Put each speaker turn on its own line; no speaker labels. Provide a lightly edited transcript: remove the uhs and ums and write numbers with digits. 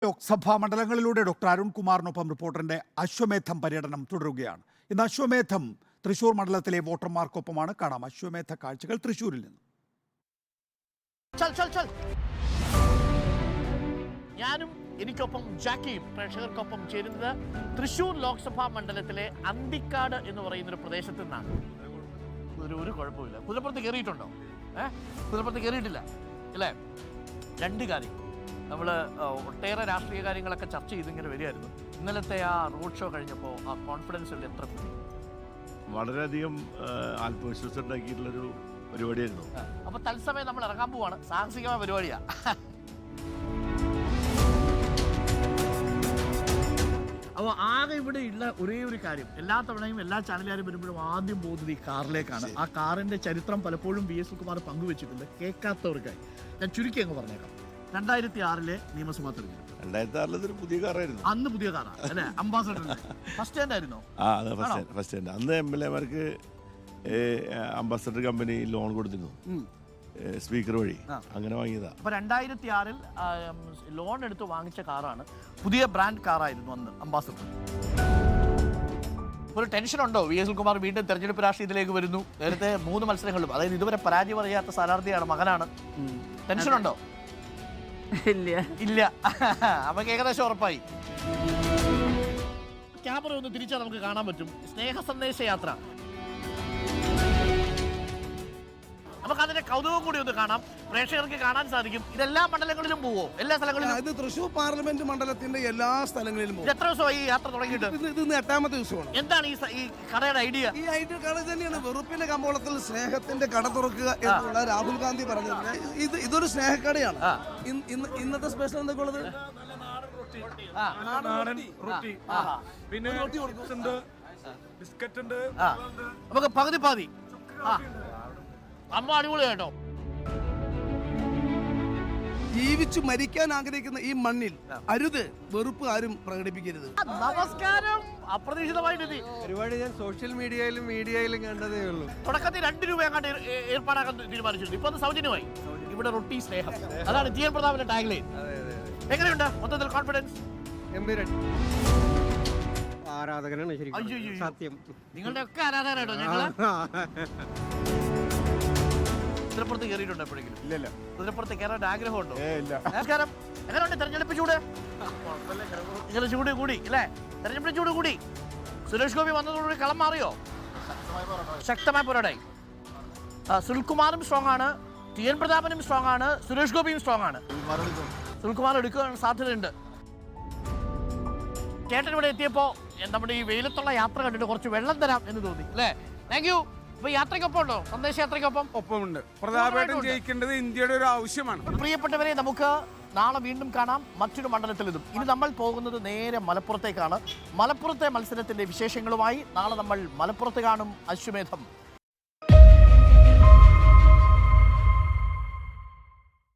Lok Sabha മണ്ഡലങ്ങളിലൂടെ doctor അരുൺകുമാറിനൊപ്പം റിപ്പോർട്ടറിന്റെ അശ്വമേധം പര്യടനം തുടരുകയാണ്. ഇന്ന് അശ്വമേധം തൃശൂർ മണ്ഡലത്തിലെ വോട്ടർമാർക്കൊപ്പമാണ്. കാണാം അശ്വമേധ കാഴ്ചകൾ തൃശൂരിൽ നിന്ന്.
ഞാനും എനിക്കൊപ്പം ജാക്കിയും പ്രേക്ഷകർക്കൊപ്പം ചേരുന്നത് തൃശൂർ ലോക്സഭാ മണ്ഡലത്തിലെ അന്തിക്കാട് എന്ന് പറയുന്ന ഒരു പ്രദേശത്ത് നിന്നാണ്. ഒരു കുഴപ്പമില്ല. കുതിരപ്പുറത്ത് കയറിയിട്ടുണ്ടോ? കുതിരപ്പുറത്ത് കയറിയിട്ടില്ല അല്ലേ? രണ്ട് കാര്യം നമ്മൾ ഒട്ടേറെ രാഷ്ട്രീയ കാര്യങ്ങളൊക്കെ ചർച്ച ചെയ്തിങ്ങനെ വരികയായിരുന്നു. ഇന്നലത്തെ ആ റോഡ് ഷോ കഴിഞ്ഞപ്പോൾ ആ കോൺഫിഡൻസിൽ എത്ര കൂടി?
വളരെയധികം ആത്മവിശ്വാസം ഉണ്ടാക്കിയിട്ടുള്ളൊരു പരിപാടിയായിരുന്നു.
അപ്പോൾ തത്സമയം നമ്മൾ ഇറങ്ങാൻ പോവാണ്. സാഹസികമായ പരിപാടിയാണ്. അപ്പോൾ ആകെ ഇവിടെ ഉള്ള ഒരേ ഒരു കാര്യം, എല്ലാ തവണയും എല്ലാ ചാനലുകാരും വരുമ്പോഴും ആദ്യം പോകുന്നത് ഈ കാറിലേക്കാണ്. ആ കാറിൻ്റെ ചരിത്രം പലപ്പോഴും വി എസ് സുകുമാർ പങ്കുവെച്ചിട്ടുണ്ട്. കേൾക്കാത്തവർക്കായി ഞാൻ ചുരുക്കി അങ്ങ് പറഞ്ഞേക്കാം. 2006 നിയമസഭാ തെരഞ്ഞെടുപ്പ്.
2006 പുതിയ കാറായിരുന്നു.
അന്ന് പുതിയ കാറാണ് അല്ലേ? അംബാസഡർ ഫസ്റ്റ് ഹാൻഡ് ആയിരുന്നോ?
First hand. അന്ന് MLA-മാർക്ക് അംബാസഡർ കമ്പനി ലോൺ കൊടുത്തിരുന്നു, സ്പീക്കർ വഴി. അങ്ങനെ വാങ്ങിയതാ.
അപ്പൊ 2006 ലോൺ എടുത്ത് വാങ്ങിച്ച കാറാണ്. പുതിയ ബ്രാൻഡ് കാറായിരുന്നു അന്ന് അംബാസഡർ. ഒരു ടെൻഷൻ ഉണ്ടോ? വി എസ് സുകുമാർ വീണ്ടും തെരഞ്ഞെടുപ്പ് രാഷ്ട്രീയത്തിലേക്ക് വരുന്നു. നേരത്തെ 3 മത്സരങ്ങളിലും, അതായത് ഇതുവരെ പരാജയം അറിയാത്ത സ്ഥാനാർത്ഥിയാണ്, മകനാണ്. ടെൻഷൻ ഉണ്ടോ? ഇല്ല. അപ്പൊ ഏകദേശം ഉറപ്പായി. ക്യാമറ ഒന്ന് തിരിച്ചാൽ നമുക്ക് കാണാൻ പറ്റും. സ്നേഹ സന്ദേശ യാത്ര. നമുക്ക് അതിന്റെ കൗതുകം കൂടി ഒന്ന് കാണാം. പ്രേക്ഷകർക്ക് കാണാൻ സാധിക്കും. ഇതെല്ലാ മണ്ഡലങ്ങളിലും പോവോ? എല്ലാ സ്ഥലങ്ങളിലും?
ഇത് തൃശൂർ പാർലമെന്റ് മണ്ഡലത്തിന്റെ എല്ലാ സ്ഥലങ്ങളിലും പോകും.
എത്ര ദിവസമായി ഈ യാത്ര തുടങ്ങിയിട്ട്?
ഇത് 8ാമത്തെ ദിവസമാണ്.
എന്താണ് ഈ കടയുടെ ഐഡിയ?
ഈ ഐഡിയ കട തന്നെയാണ്. വെറുപ്പിന്റെ കമ്പോളത്തിൽ സ്നേഹത്തിന്റെ കട തുറക്കുക എന്നുള്ള രാഹുൽ ഗാന്ധി പറഞ്ഞത്. ഇതൊരു സ്നേഹക്കടയാണ്. ഇന്നത്തെ സ്പെഷ്യൽ എന്തൊക്കെ ഉള്ളത്?
പിന്നെ ബിസ്ക്കറ്റ് ഉണ്ട്.
നമുക്ക് പകുതി പാതി. അമ്മ അടിപൊളി കേട്ടോ.
ജീവിച്ചു മരിക്കാൻ ആഗ്രഹിക്കുന്ന ഈ മണ്ണിൽ അരുത് വെറുപ്പ് ആരും പ്രകടിപ്പിക്കരുത്.
നമസ്കാരം. അപ്രതീക്ഷിതമായിട്ട്
ഒരുപാട് ഞാൻ സോഷ്യൽ മീഡിയയിലും കണ്ടതേ ഉള്ളൂ.
തുടക്കത്തിൽ 2 രൂപ എങ്ങാണ്ട് ഏർപ്പാടാക്കാൻ തീരുമാനിച്ചിട്ടുണ്ട്. ഇപ്പൊ അത് സൗജന്യമായി. ഇവിടെ റൊട്ടി സ്നേഹം, അതാണ് TN പ്രതാപിന്റെ ടാഗ് ലൈൻ. എങ്ങനെയുണ്ട് മൊത്തത്തിൽ കോൺഫിഡൻസ്?
ആരാധകനാണ് ശരിക്കും. സത്യം.
നിങ്ങളുടെ ഒക്കെ ആരാധകരാട്ടോ ഞങ്ങള്. കുതിരപ്പുറത്ത് കയറിയിട്ടുണ്ടോ എപ്പോഴെങ്കിലും?
ഇല്ല.
കുതിരപ്പുറത്ത് കയറാൻ ആഗ്രഹമുണ്ടോ?
ഇല്ല.
നമസ്കാരം. എങ്ങനെയുണ്ട് തെരഞ്ഞെടുപ്പ് ചൂട്? ഇങ്ങനെ ചൂട് കൂടി അല്ലേ? തെരഞ്ഞെടുപ്പ് ചൂട് കൂടി. സുരേഷ് ഗോപി വന്നതോടുകൂടി കളം മാറിയോ? ശക്തമായ പോരാടായി. സുനിൽകുമാറും സ്ട്രോങ് ആണ്, TN പ്രതാപനും സ്ട്രോങ് ആണ്, സുരേഷ് ഗോപിയും സ്ട്രോങ് ആണ്. സുനിൽകുമാർ എടുക്കാൻ സാധ്യതയുണ്ട്. ചേട്ടൻ ഇവിടെ എത്തിയപ്പോ നമ്മുടെ ഈ വെയിലത്തുള്ള യാത്ര കണ്ടിട്ട് കുറച്ച് വെള്ളം തരാം എന്ന് തോന്നി അല്ലേ? Thank you. അപ്പൊ യാത്രയ്ക്കൊപ്പം ഉണ്ടോ? സന്ദേശ യാത്രയ്ക്കൊപ്പം
ഒപ്പമുണ്ട്. പ്രതാപേട്ടൻ ജയിക്കേണ്ടത് ഇന്ത്യയുടെ ഒരു ആവശ്യമാണ്.
പ്രിയപ്പെട്ടവരെ, നമുക്ക് നാളെ വീണ്ടും കാണാം മറ്റൊരു മണ്ഡലത്തിൽ നിന്നും. ഇനി നമ്മൾ പോകുന്നത് നേരെ മലപ്പുറത്തേക്കാണ്. മലപ്പുറത്തെ മത്സരത്തിന്റെ വിശേഷങ്ങളുമായി നാളെ നമ്മൾ മലപ്പുറത്ത് കാണും. അശ്വമേധം